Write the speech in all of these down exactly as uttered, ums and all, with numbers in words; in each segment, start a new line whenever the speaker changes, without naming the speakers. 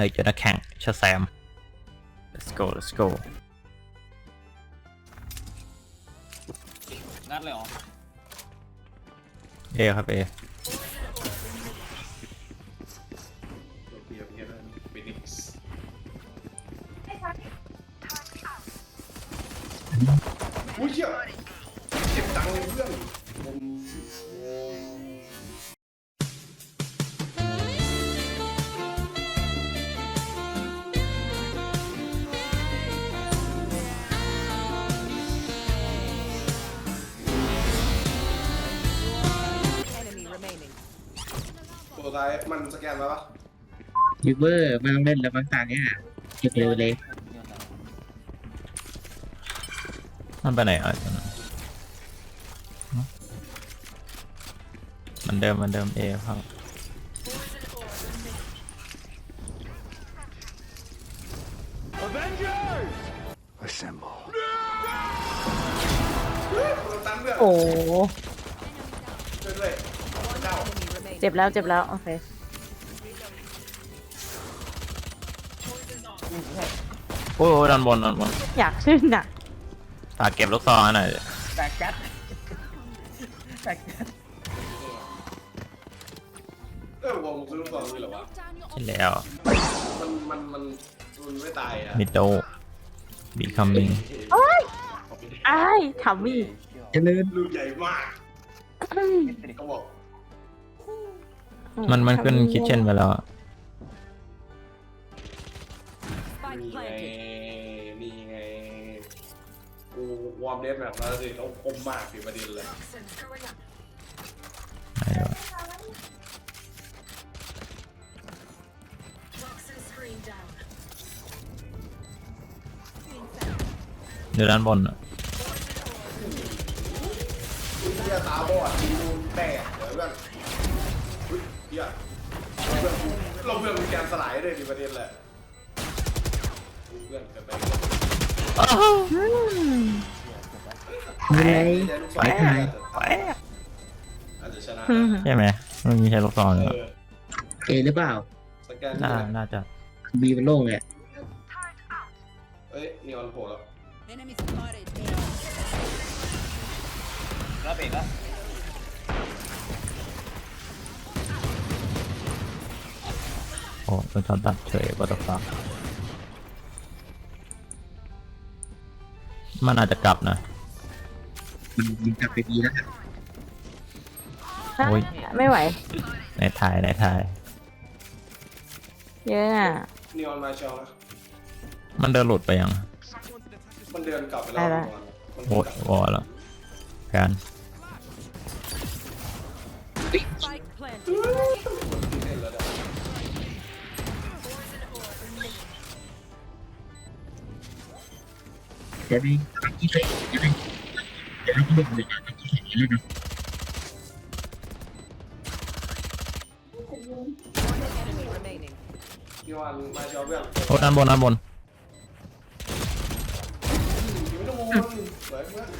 ฮ้ยเจอนักแข่งชาแซม let's go let's go
งัดเลยเหรอ
เอครับเอ
อุ้ยเชี่ยเก็บตังค์เลยเพื่อนผม ตัวท้ายมันสแกนมาปะ
ยูเบอร์ไม่ต้องเล่นแล้วบางตาเนี่ยเก็บเร็วเลย
มันไปไหนอ่ะมันเดิมมันเดิมเอครับ
โอ้
ช่วยด้วยเจ้า
เจ็บแล้วเจ็บแล้วโอเค
โอ้ยดันบนดันบน
อยากขึ้นอ่ะ
ฝากเก็บลูกซองหน่อย
แตกจัดแตกจัด
เออวงซื้อลูกซองนี่เหรอวะ
ใช่แล้ว
มันมันมันมันไม่ตายอ่ะ
มิดโดบีคัมมิง
โอ้ยไอ้ายทำมี่
เจริญ
ลูกใหญ่มากเขาบอก
มันมันขึ้นคิทเช่นไปแล้วอะ
นี่ไงนี่ไงกูวอร์มเดสแบบนั้นสิเขาคมมากสิประเด็นเลย
ไหนวะเดี๋ยวด้านบนอะ
เฮียตาบอดทีนูนแตกเดี๋ยวเพื่อนอุ๊ยเฮียเราเพื่อนกูเราเพื่อนกูแกนสลายเลยดิประเด็นแหละเพื่อนกันไป
ไม่ไร
ไป
ไป
อาจจะชนะ
ใช่ไหมมันมีใช้ลูกซองเลย
เออ
เอหรือเปล่า
สแกน
น่า
นี่แหละ
น่าจะ
บีมันโล่งเลย
เอ้ยนีออนโผล่แล้ว
แล้วเบรกแล้ว
โอ้เป็นช็อตตัดเฉยบัตเตอร์ฟลายมันอาจจะกลับนะ
มันยิงกลับไปดีแล้ว
โอ้ย
ไม่ไหว
ในถ่ายในถ่าย
เยอะอ่ะ
นีออนมาเชลนะ
มันเดินหลุดไปยัง
มันเดินกลับไปแล้วมัน
โอ้ยวอลแล้วการ
เดี๋ยวนี้ทำที่ใส่เดี๋ยวนี้เดี๋ยวนี้เล่นเลยนะทำที่ใส่เล่นนะ
นีออนมาเชลเพื่อน
โอ้ด้านบนด้านบน
อยู่ไม่ต้องวนสวยเพื่อน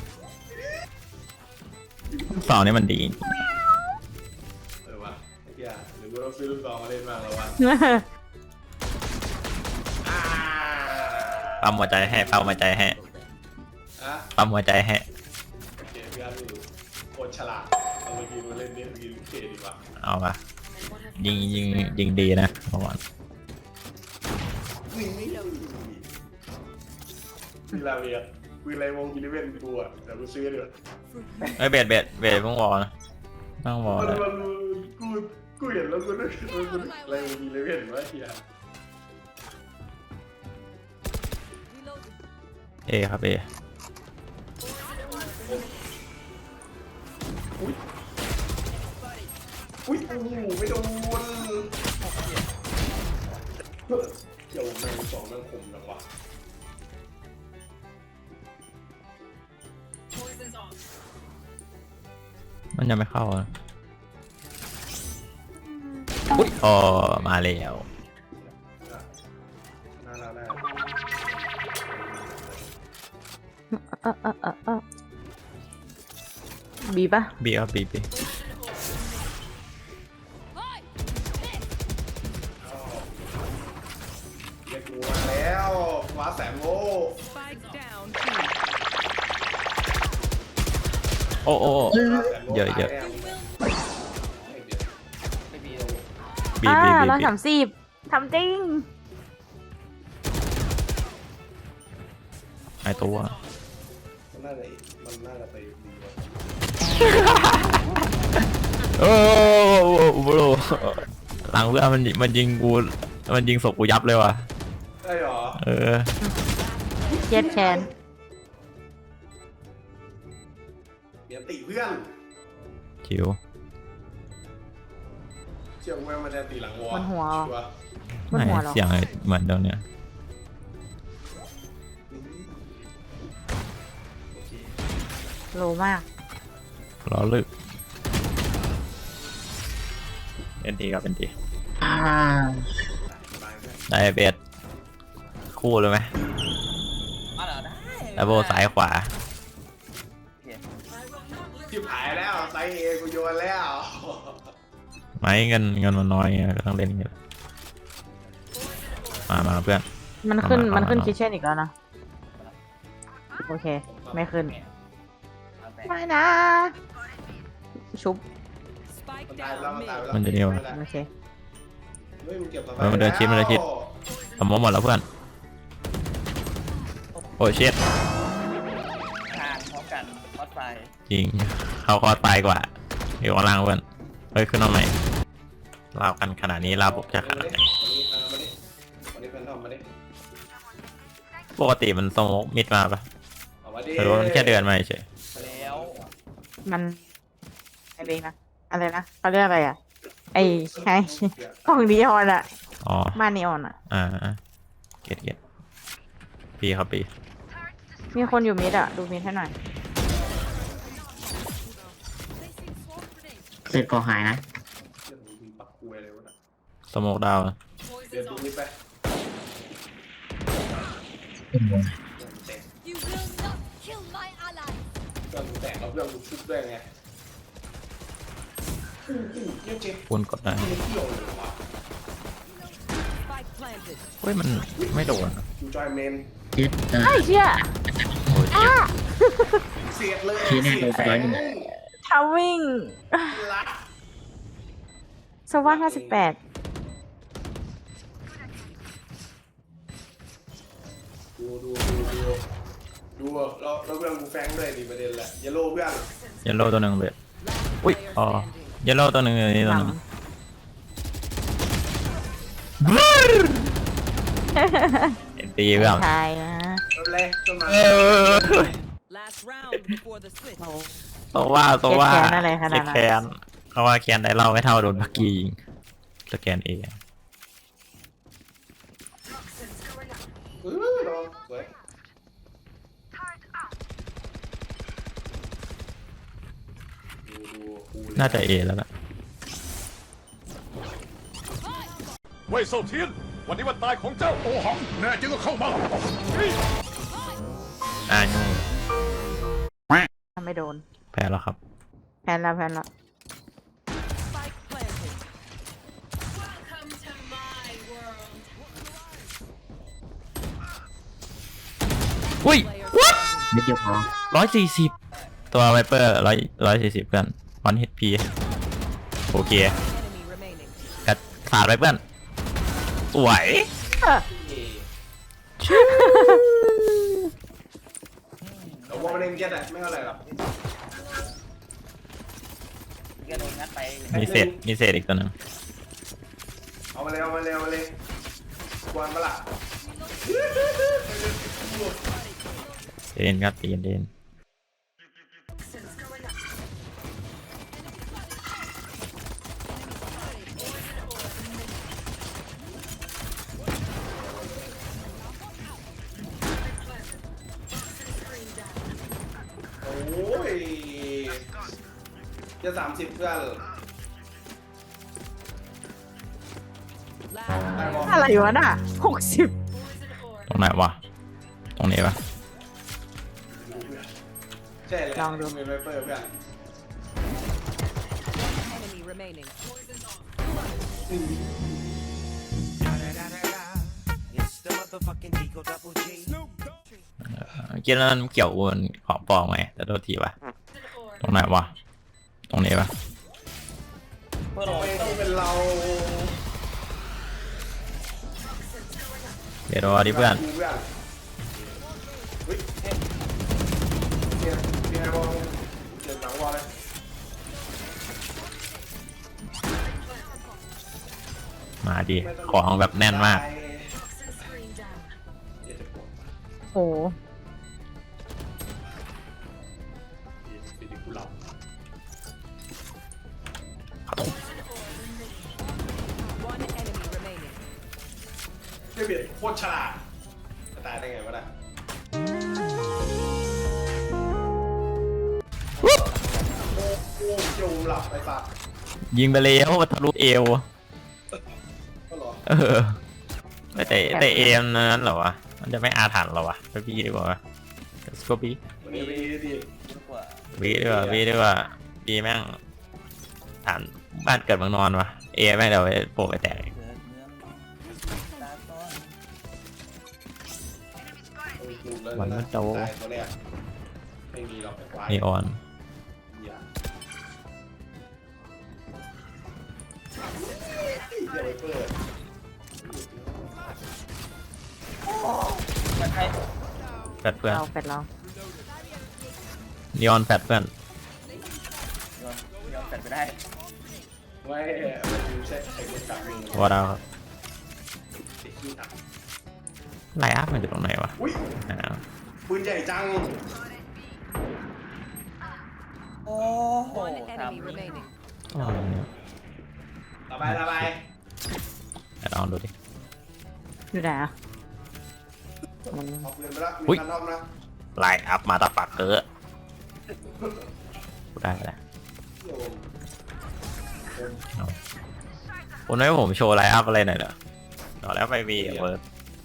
ลูกซองนี่มันดี
เออวะไอ้เหี้ยหรือว่าเราซื้อลูกซองมาเล่นบ้างแล้ววะอ่า
ปั๊มหัวใจให้ปั๊มหัวใจให้
อ่ะ
ปั๊มหัวใจให้
โอเคเพื่อนดูโคตรฉลาดเอามากินมาเล่นนี่กินเคดีกว่า
เอาปะยิงยิงยิงดีนะเมื่อวาน
มีลาเวียวีไรวงกิลิเวนกูอ่ะแต่กูซื้อเดี๋ยว
เอ้ยเบ็ดเบ็ดเบ็ดเพิ่งวอลนะต้องวอล
มัน
เลย
มันกูกูเห็นแล้วกูนึกกูนึกอะไรวงกิลิเวนวะเฮีย
เอครับเอ
อุ้ยอุ้ยโอ้โหไม่โดนเดี๋ยวแมงสองแมงคมจังวะ
มันยังไม่เข้าอ่ะอุ้ยอ๋อมาแล้ว
น่ารักน่า
เออเออเออเออบีปะ
บีครับบีบี
เแสนโง่
Spike down.
โอ้โอ้โอ้
ฟ้าแสนโง่
เยอะเยอะ
ตาแน่
ไม่มีเลย
บี
อ่า
บีบี
ร้อย
บี
สามสิบทำจริง
ไอตัว
มันน่าจะมันน่าจะไปดีกว่า
โอ้โหหลังเพื่อนมันมันยิงกูมันยิงศพกูยับเลยว่ะ
ได้หรอ
เออ
เย็ดแคน
เดี๋ยวตีเพื่อน
ชิว
เชื่อว่ามันจะตีหลังวอ
มันหัว
ชัวร์
บน
ไม่
หัวเหรอ
เสียงเหมือนเดิมเนี่ย
โลมาก
รอลึกเป็นดีครับเป็นดี
อ่า
ได้เบสคู่เลยไหม
มาเหรอได้
แล้วโบซ้ายขวา
ที่ผายแล้วไซเอกูโยนแล้ว
ไม้เงินเงินมันน้อยไงก็ต้องเล่นอย่างเงี้ยมามาเพื่อน
มันขึ้น
เอามา
มันขึ้น
เอามา
คิทเช่นอีกแล้วนะ โอเค ไม่ขึ้น
เอาแต่
ไม่นะ ชุบ
Spike
มันตายไปแล้ว
down
มันตายไป
mid.
แล้ว
มันจะเดียวอะ
โอเค
เฮ้ยมันเก็บต่อไป
เออมันเดินชิดมันเดินชิด สมมติหมดแล้วเพื่อนโอ้เช็ด
ทานพร้อมกันพอดไฟ
จริงเขาคอตายกว่าอยู่ข้างล่างเพื่อนเฮ้ยขึ้นมาใหม่ลาวกันขนาดนี้ลาวปกจะขนาดไหน
วันนี้เออมาดิวันนี้แฟนทอมมาดิ
ปกติมันสโมกมิดมาปะ
เอามาดิ
หรือว่ามันแค่เดินมาเฉย
แล้ว
มันอะไรนะ อะไรนะเขาเรียกอะไรอ่ะ ไอ้ไอ้กล่องนีออนอ่ะ
อ๋อ
มานีออนอ่ะ
อ่าเก็ตเก็ตปีครับปี
มีคนอยู่มิดอ่ะ ดูมิดให้หน่อย
เสร็จก่อหายนะ
เรื่องมีปักกลวยเลยวะน่ะ
สโมกดาวน์
เดี๋ยวดูนี่ไป
เป็นไง
เรื่องมันแตก
You will not kill my ally.
เรื่องมันแตกเราเรื่องมันชุบด้วยไงอู้อู้เยี่ยมเจ๊
คูณกดได้
ไม่เกี่ยวเลยวะ
Spike planted.
เฮ้ยมันไม่โดนอะ
จูจอยเมน
เจ็ดเออ
ไอ้เชี่ย
โอ้ยเจ็บ
เสียดเลย
ชี้แน่เลย
เสียด
ร้อยหนึ่ง
ทาวิ่ง
รัก
สวัสดิ์ห้าสิบแปด
ดูดูดูดูดูเราเราเพื่อนกูแฟงด้วยดิประเด็นแหละเยลโล่เพื่อน
เยลโล่ตัวหนึ่งเบสอุ้ย
Player
อ๋อ
standing.
เยลโล่ตัวหนึ่งนี่ตัวหนึ่ง เอ็นตีเพื่อน
ใช่นะ
เอาเลยต้นมา
เออ
Last round before the switch.
โอ้
โซว่าโซว่า
เจ็ดแขนอะไรขนาดนั้น
เจ็ดแขนเขาว่าแขนได้เล่าไม่เท่าโดนพักกี้ยิงสแกนเอง
เออรอสวยดูดูกูเลย
น่าจะเอแล้วล่ะ
เว่ยเซาเทียน วันนี้วันตายของเจ้าโอหัง แน่จริงก็เข้ามา
อ่ายุ่ง
ไม่โดน
แพ้แล้วครับ
แพนแล้วแพนแล้ว
Spike planted.
อุ้ย
Player
นิดเดียวพอ
ร้อยสี่สิบตัวไวเปอร์ร้อยร้อยสี่สิบเพื่อนวันฮิตพีโอเค
enemy remaining.
กัดขาดไปเพื่อน สวย
แต่ว่ามันเองเก็ตอะไม่เท่าไหร่หรอก
เกโดนงัดไป
มีเศษมีเศษอีกตัวหนึง
เอามาเลยเอามาเลยเอามาเลยกวนปะล่ะ
เดนครับตีนเดน
โอ้ยจะสามสิบเพื่อน
Last
ได้บอล
อะไรวะน่ะหกสิบ
ตรงไหนวะ ตรงนี้ปะ
ใช่เลย
ลองดู
มีไวเปอร์เพื่อน
enemy remaining.
อืม
กินแล้วมันเกี่ยววนของปลอมไหมแต่โทษทีวะตรงไหนวะตรงนี้ปะ
เพื่อล
ทำ
ง
ไมต้องเป็นเรา
เดี๋ยวรอดิเพื่อน
เพื่อนเฮ้ยเนี่ยเนี่ยบอลเจ็บหลังวอลเลย
มาดิของแบบแน่นมาก
เจ็บปวด
โอ้
สิริกุหลาบ
One enemy remaining.
เบียดโคตรฉลาดจะตายได้ไงวะน่ะโอ้โหเจียวหลับไอ้สัส
ยิงไปแล้วทะลุเอว
ก็หรอ
เออแต่แต่เอมนั้นเหรอวะมันจะไม่อาถรรพ์เหรอวะไปบีดีกว่าสกอบี
มันจะไปดิ
ดีกว่า
บีดีกว่าบีดีกว่าบีแม่งฐานบ้านเกิดเมืองนอนวะเอแม่งเดี๋ยวไปโผล่ไปแตกอีก
เกิดเนื้อตาต้น
วันมันโต
ตายตัวแรกไม่มีหรอกไอ้ควาย
นีออน
เหี้ยเดี๋ยวไปเปิด
มันใคร
แฟดเพื่อน
เราเป็ดเรา
นีออนแฟดเพื่อน
ยอมยอมแฟดไปได้
ไม่มันใช่ไอ้คนจับมือ
วอร์ดาวครับ
ติดขี้ตับ
ไลน์อัพมันอยู่ตรงไหนวะ
อุ้ย
อ่า
ปืนใหญ่จัง
โอ้โห
One
ท
enemy remaining.
อ๋อเนี่ย
ระบายระบาย
เดี๋ยวลองดูดิ
อยู่ไหนอ่ะมัน
เอาปืนไปละ
อุ๊
มี
ย
คันรอบนะ
ไลน์อัพมาตาปักเกอร์กูได้แล้ว
โยม
คุณไม่ให้ผมโชว์ไลน์อัพอะไรหน่อยเหรอต่อแล้วไปบีเวิร์ด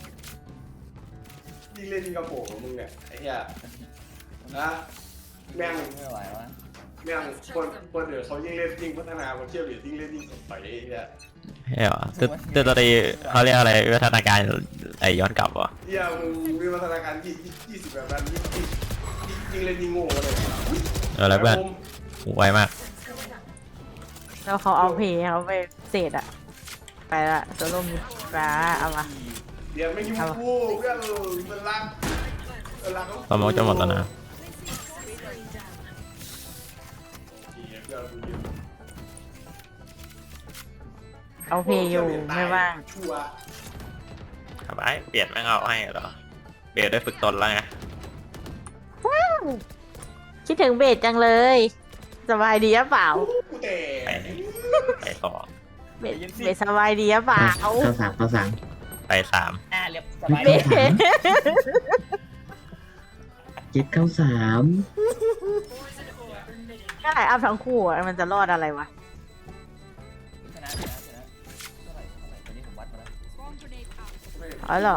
ยิ่งเล่นยิ่งกระโปรงมึงเนี่ยไอ้เหี้ยนะแม่ง
ำไม่ไหววะ
แม่งคนคนเดี๋ยวเขายิ่งเล่นยิ่งพัฒนาคนเที่ยวหรือยิ่งเล่นยิ่งสดใสไอ้เหี้ย
ใช่เหรอตึ๊ดตึ๊ดตอนนี้เขาเรียกอะไรวิวัฒนาการไอย้อนกลับวะ
เหี้ยมึงมีพัฒนาการยี่ยี่สิบแบบนั้นยิ่งยิ่งยิ่งเล่นยิ่งโง่เลย
เออแล้วเพื่อนไวมาก
แล้วเขาเอาเพย์เขาไปเศษอะไปละโซโล่มีปลาเอามา
เดี๋ยวไม่ยุ่งกูเพื่อนมันรักมันรัก
สมองจะหมดแล้วนะ
เอาเพย์อยู่ไม่ว่าง
ชัวร์
ครับไอเปลี่ยนแม่งเอาให้เหรอเปลี่ยนได้ฝึกตนแล้วไง
คิดถึงเบสจังเลยสบายดีหรือเปล่า
กูแต่
ไปไปต่อ
เบสเบสสบายดีหรือเปล่า
เข้าสามเข้าสาม
ไปสาม
อ่าเรียบสบาย
เบ
ดี
ส
เจ็ดเข้าสาม
ก็ไหนอัพทั้งคู่อะมันจะรอดอะไรวะ
ชนะชนะชนะเท่าไหร่เท่าไหร่ตอนนี้ผมวัดมาแล้ว
อ๋อเหรอ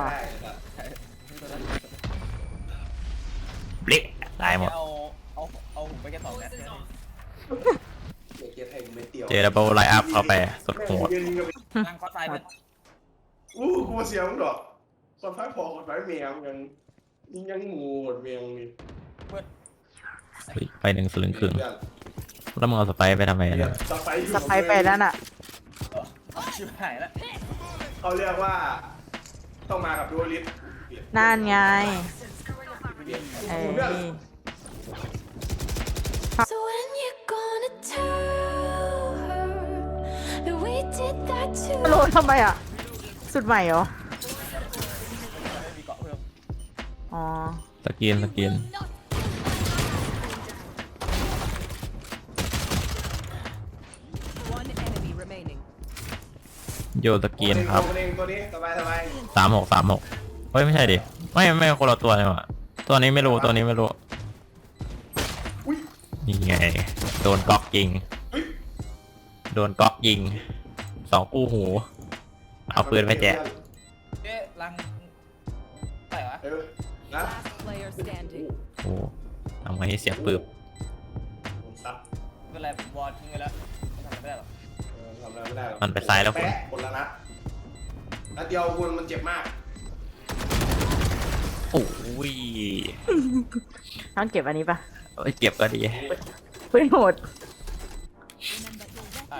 บลิตายหมด
เอาเอาเอาผมไปแค่สองนัด
เด็กเกียร์ไทยไม่เตียว
เจดับเบิลไลน์อัพเข้าไปสุดโหด
นั่งคอสไฟเป็น
อู้กูเสียงดอกคนไฟพอคนไฟเมียงยังยิ่งยังงูหมดเมียงนี่
เพื่อน
เฮ้ยไปหนึ่งสลึงครึ่งแล้วมึงเอาสไปร์ไปทำไมเนี่ย
สไป
สไปไปแล้วน่ะ
ชิบหายแล้ว
เขาเรียกว่าต้องมากับดูลิส
นั่นไงเอ้ย
So when you gonna tell her that we did that too?
โหลดทำไมอ่ะ สุดใหม่เหรอ
ไม่มีเกาะเพิ่ม
อ๋อ
สกินสกิน
One enemy remaining.
โยสกินครับ
ตัวเองตัวนี้สบายสบาย
สามหกสามหกเฮ้ยไม่ใช่ดิไม่ไม่คนละตัวเลยว่ะตัวนี้ไม่รู้ตัวนี้ไม่รู้
อุ้ย
นี่ไงโดนก๊อกยิง
เฮ้ย
โดนก๊อกยิงสองกู้หูเอาปืนไปแจก
เอ๊ะลังไปวะ
เออนะ
Last player standing.
โอ้ทำไงให้เสียงปืบ
ผมซับ
ไม่เป็นไรผมวอร์ทิ้งไว้แล้วทำอะไรไม่ได้หรอก
เออทำอะไรไม่ได้หรอก
มันไปซ้ายแล้วคุณ
แปะคนละนัดนัดเดียวคุณมันเจ็บมาก
โอ้ย
ต้องเก็บอันนี้ปะ
เอาไปเก็บก็ดี
ปืนโหด
อ่ะ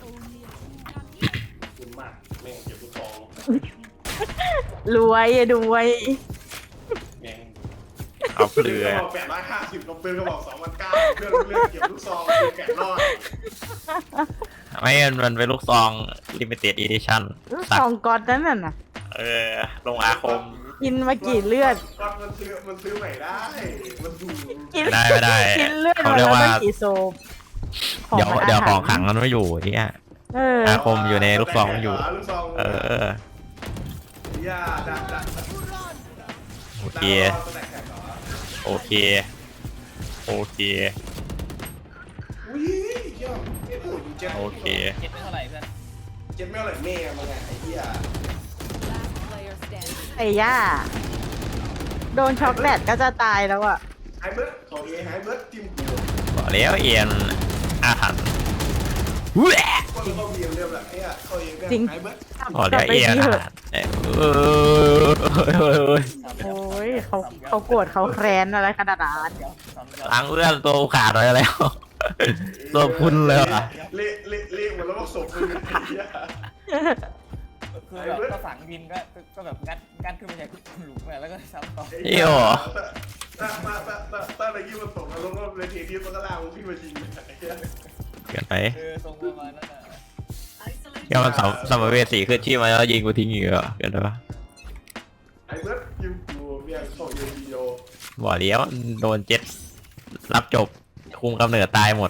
คุณมากแม่งเก็บลูกซอง
รวยอะรวย
แม่ง
เอาเป
เพื่
ลื
อน
อ
ก็บอกแปดร้อยห้าสิบกับปืนก็บอกสองพันเก้าเพื่อนเลือกเก็บลูกซองปืนแกะรอด
ไม่มันเป็นลูกซอง limited edition สัก
สองก๊อตนั่นน่ะ
เออ ลงอาคม
กินมากี่เลือด
ก็มันซื้อมันซื้อใหม่ได้มันดู
กิน
ไม่ได้ไม่ได้
กินเลือด
เขา
มา
เรีย
แล้
ก
ว
ว่า
ต้องกี่โซบ
เดี๋ยว
มัน
เดี๋ยว
าหาร
ของขังมันไม่อยู่ที่
เออ
อาคมอยู่ในลูกซองอยู่
ลูกซอง
เออ
ย่าดักดัก
โอเค
แตกแตกเหรอ
โอเค โอเค
อุ้ยเยี่ยมเจ็ดโอ้ยเจ็ด
โอเค
เจ็ดไม่เท่าไหร่เพื่อน
เจ็ดไม่เอาไหร่แม่มาไงไอ้เหี้ย
Last player standing.
ไอ้ย่า โดนช็อกแลตก็จะตายแล้วอ่ะ
ไฮเบิร์ดของเอไฮเบิร์ดทีมกู
บอกแล้วเอียนอาถรรพ์แหวะ
ก็เข้าเบียร์เรียบแหละไอ้เหี้ยเข้าเองเนี่ย
จริง
ไฮเบิร์ด
บอกแล้วเอียนอาถรรพ์เออเออ
โอ้ยเขาเขาโกรธเขาแค้นอะไรขนาดนั้น
เดี๋ยวสองเดี๋ยว
ล้างเอื้อนตัวขาดไปแล้ว ตัวพุ่นเลยอ่ะ
เละเละเละหมดแล้วก็ศพมึงไอ้เหี้ย
คือแบบก็ฝังดินก็ก็แบบงัดงัดขึ้นมาจากหลุมอะแล้วก็ซ้ำต่อ
เอี่ยว
ถ้าถ้าถ้าถ้าถ้าอะไรที่มันตกนรกแล้วเลยเทดิสมันก็ลากมึงขึ้นมาจริงไอ้เหี้ย
เกินไป
เออทรงประมาณนั้นอ่ะ
แค่มันสมสมเวสีขึ้นที่มาแล้วยิงกูทิ้งอีกเหรอเกินไปปะ
ไอ้เบิร์ดยิงกูเมียเข้าเอ็นดีโอ
บอกแล้วโดนเจ็ดรับจบคุมกำเนิดตายหมด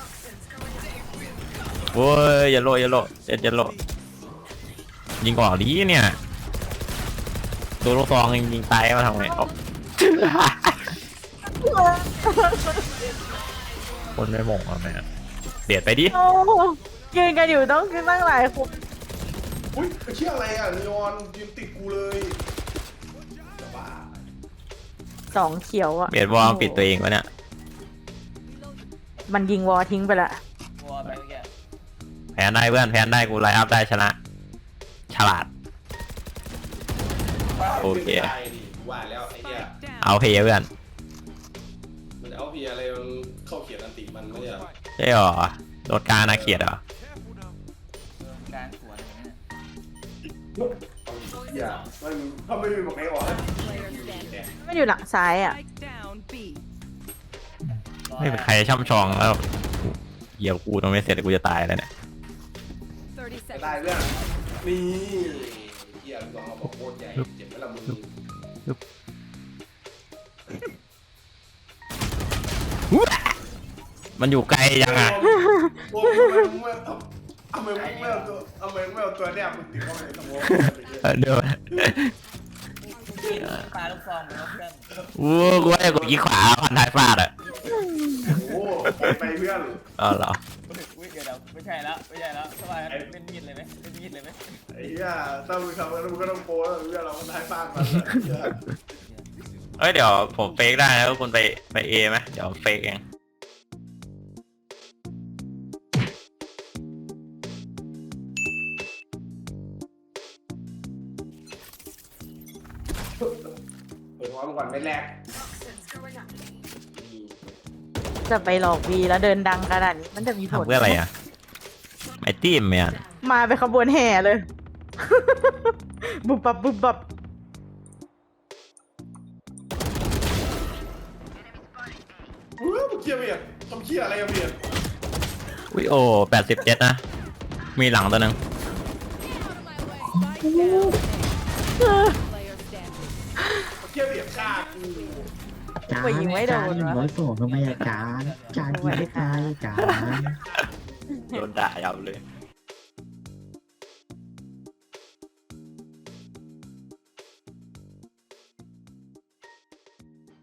โว้ยอย่าโลอย่าโลเจ็ดอย่าโลยิงออกดีเนี่ยตัวลูกซองยิงตายมาทำไงออกคนไม่หม่งอะแม่เบียดไปดิ
โอ้ยืนกันอยู่ต้องคือตั้งหลายคน
อุ้ยไอ้เชี่ยอะไรอ่ะนีออนยืนติดกูเลยจะบ้า
สองเขียวอ่ะ
เบียดวอลปิดตัวเองวะเนี่ย
มันยิงวอทิ้งไปละ
วัวไปเมื่อกี้
แพ้ได้เพื่อนแพ้ได้กูไลน์อัพได้ชนะ ฉลาด โอเค
ไม่ได้ดิกูว่าแล้วไอ้เหี้ย
เอาเพย์เพื่อน
มันเอาเพียอะไรมันเข้าเขียนอันติมันไม่ใช่เหรอ
ใช่หรอโดดกลารนาเขียดเหรอ
เออกลางสวนอย่างเงี้ย
เอาดิเหี้ยมันถ้าไม่มีบอกให้ออกนะ
Player standing.
มันอยู่หลังซ้ายอ่ะ
Spike down B.
ไม่เป็นใครช่ำชองแล้วเหยียบกูตรงไม่เสร็จกูจะตายแล้วเนี่ย
thirty
จะได้
seconds.
เรื่องนี่เหี้ยลองเอาบอกโคตรใหญ่เจ็บไหมล่ะมึง
มันอยู่ไกลยังอ่ะ
โอ้ยทำไมมึงไม่เอาทำไมมึงไม่เอาตัวทำไมมึงไม่เอาตัวแนบมึงติดเข้าไปในสมอง
เออเดี๋ยว
ปลาลูกซองเหมือนเพื่อน
วู้กูว่าจะกดยี่ขวาพันท้ายฟาดอ่ะ
โอ้ไปเพื่อน
อ๋อเหรอ
อุ้ยเดี๋ยวเดี๋ยวไม่ใช่แล้วไม่ใช่แล้วทำไมเล่นมีดเลยไหมเล่นมีดเลยไหม
ไอ้เหี้ยถ้ามึงทำแล้วมึงก็ต้องโป้แล้วเพื่อนเราก็ได้บ้างมัน
เอ้ยเดี๋ยวผมเฟกได้แล้วคุณไปไปเอไหมเดี๋ยวเฟกเอง
เปิดหัวมึงก่อนไม่แรก
จะไปหลอกวีแล้วเดินดังขนาดนี้มันจะมีผล
ทำเพื่ออะไรอ่ะไอตีมเนี่ย
มาเป็นขบวนแห่เลย บุบบับบุบบับ
เฮ้ยมึงเคลียร์เบียดทำเคลียร์อะไรอะเบียด
วิโอแปดสิบเจ็ดนะ มีหลังตัวหนึ่ง
Spike down. Player standing.
เคลียร์เบียดฆ่ากู
จานจานหนึ่งร้อยสองทำไมอะจานจานที่ไม่ตายจาน
โดนด่ายับเลย